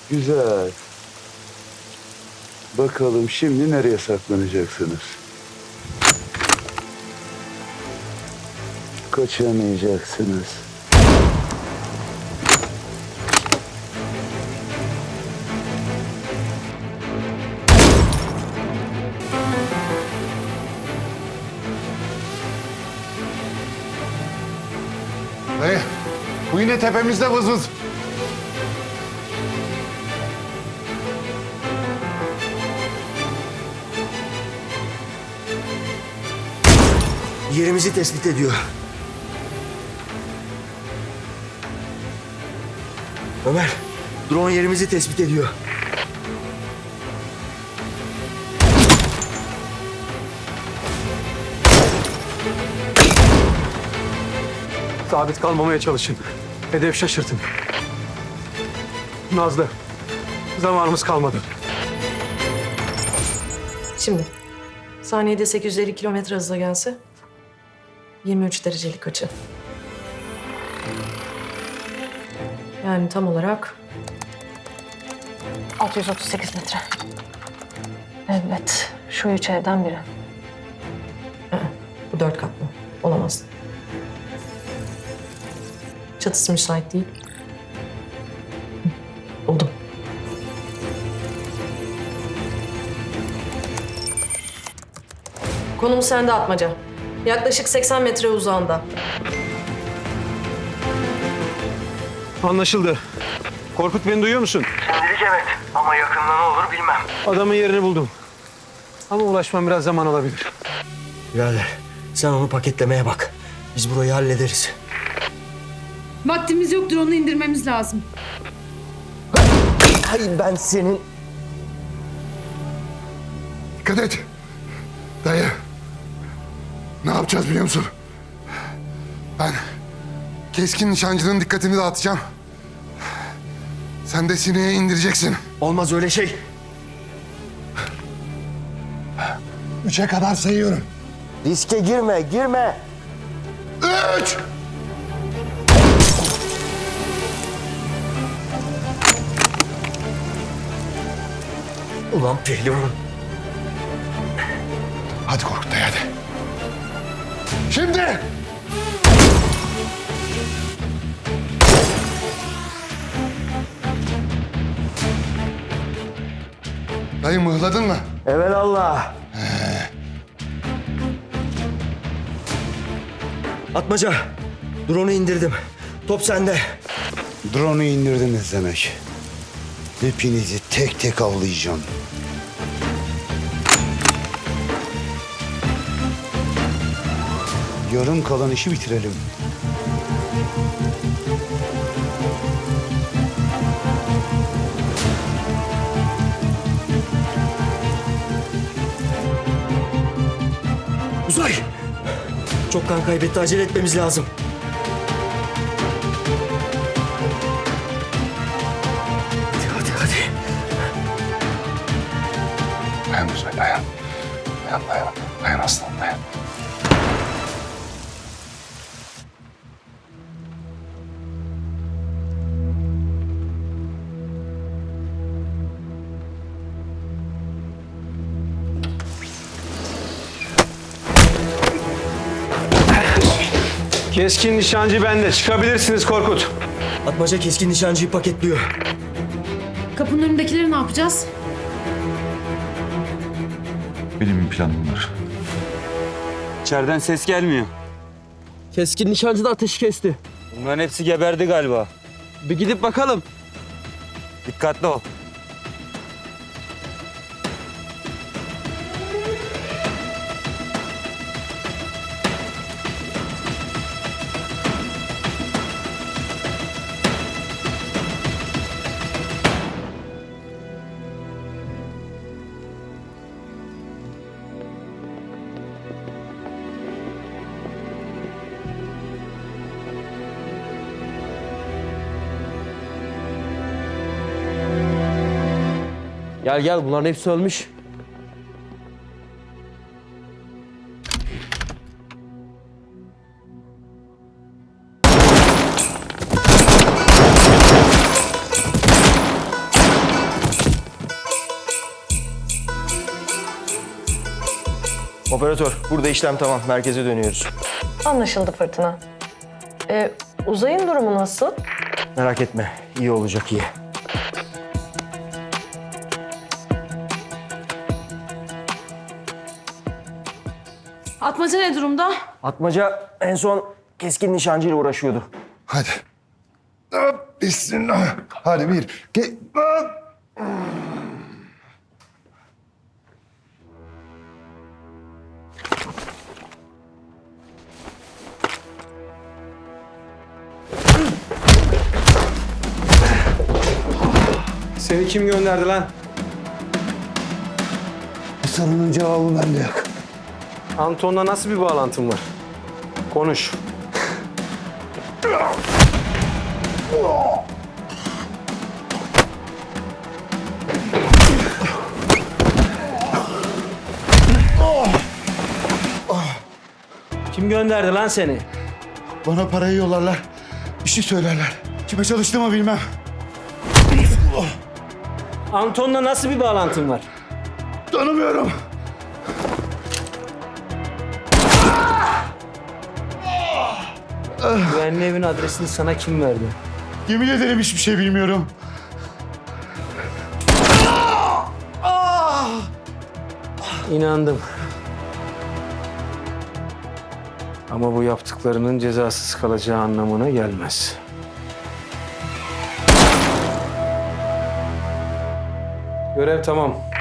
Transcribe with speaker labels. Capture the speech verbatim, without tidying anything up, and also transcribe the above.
Speaker 1: Güzel. Bakalım şimdi nereye saklanacaksınız? Kaçamayacaksınız.
Speaker 2: Dayı, bu yine tepemizde vız vız.
Speaker 3: Yerimizi tespit ediyor. Ömer, drone yerimizi tespit ediyor.
Speaker 4: Sabit kalmamaya çalışın. Hedef şaşırtın. Nazlı, zamanımız kalmadı.
Speaker 5: Şimdi saniyede sekiz yüz elli kilometre hızla gelse yirmi üç derecelik açı. Yani tam olarak altı yüz otuz sekiz metre. Evet, şu üç evden biri. Hı, bu dört katlı. Olamaz. Çatısı müsait değil. Hı, buldum. Konum sende Atmaca. Yaklaşık seksen metre uzağında.
Speaker 4: Anlaşıldı. Korkut, beni duyuyor musun?
Speaker 3: Şimdilik evet ama yakında ne olur bilmem.
Speaker 4: Adamın yerini buldum. Ama ulaşmam biraz zaman alabilir.
Speaker 3: Birader, sen onu paketlemeye bak. Biz burayı hallederiz.
Speaker 6: Vaktimiz yoktur, onu indirmemiz lazım.
Speaker 3: Hayır, ben senin...
Speaker 2: Dikkat et. Dayı, ne yapacağız biliyor musun? Ben keskin nişancının dikkatini dağıtacağım. Sen de sineğe indireceksin.
Speaker 3: Olmaz öyle şey.
Speaker 2: Üçe kadar sayıyorum.
Speaker 3: Riske girme, girme.
Speaker 2: Üç!
Speaker 3: Ulan pehlivan.
Speaker 2: Hadi Korkut dayı, hadi. Şimdi! Dayı mıhladın mı?
Speaker 3: Evelallah. Atmaca, drone'u indirdim. Top sende.
Speaker 1: Drone'u indirdiniz demek. Hepinizi tek tek avlayacağım. Yarım kalan işi bitirelim.
Speaker 3: Uzay! Çok kan kaybetti, acele etmemiz lazım. Hadi, hadi, hadi.
Speaker 2: Dayan Uzay, dayan. Dayan, dayan. Dayan aslanım, dayan.
Speaker 4: Keskin nişancı bende. Çıkabilirsiniz Korkut.
Speaker 3: Atmaca keskin nişancıyı paketliyor.
Speaker 6: Kapının önündekileri ne yapacağız?
Speaker 7: Benim bir planım var.
Speaker 8: İçeriden ses gelmiyor.
Speaker 3: Keskin nişancı da ateşi kesti.
Speaker 8: Bunların hepsi geberdi galiba.
Speaker 3: Bir gidip bakalım.
Speaker 8: Dikkatli ol.
Speaker 3: Gel gel, bunların hepsi ölmüş. Operatör, burada işlem tamam. Merkeze dönüyoruz.
Speaker 5: Anlaşıldı Fırtına. Ee, Uzay'ın durumu nasıl?
Speaker 3: Merak etme, iyi olacak, iyi.
Speaker 6: Atmaca ne durumda?
Speaker 3: Atmaca en son keskin nişancıyla uğraşıyordu.
Speaker 2: Hadi. Hop, bismillah. Hadi bir. Ge hop.
Speaker 4: Seni kim gönderdi lan?
Speaker 1: Bu sorunun cevabı bende yok.
Speaker 4: Anton'la nasıl bir bağlantın var? Konuş.
Speaker 3: Kim gönderdi lan seni?
Speaker 1: Bana parayı yollarlar. Bir şey söylerler. Kime çalıştığımı bilmem.
Speaker 3: Anton'la nasıl bir bağlantın var?
Speaker 1: Tanımıyorum.
Speaker 3: Güvenli evin adresini sana kim verdi?
Speaker 1: Yemin ederim hiçbir şey bilmiyorum.
Speaker 4: İnandım. Ama bu yaptıklarının cezasız kalacağı anlamına gelmez. Görev tamam.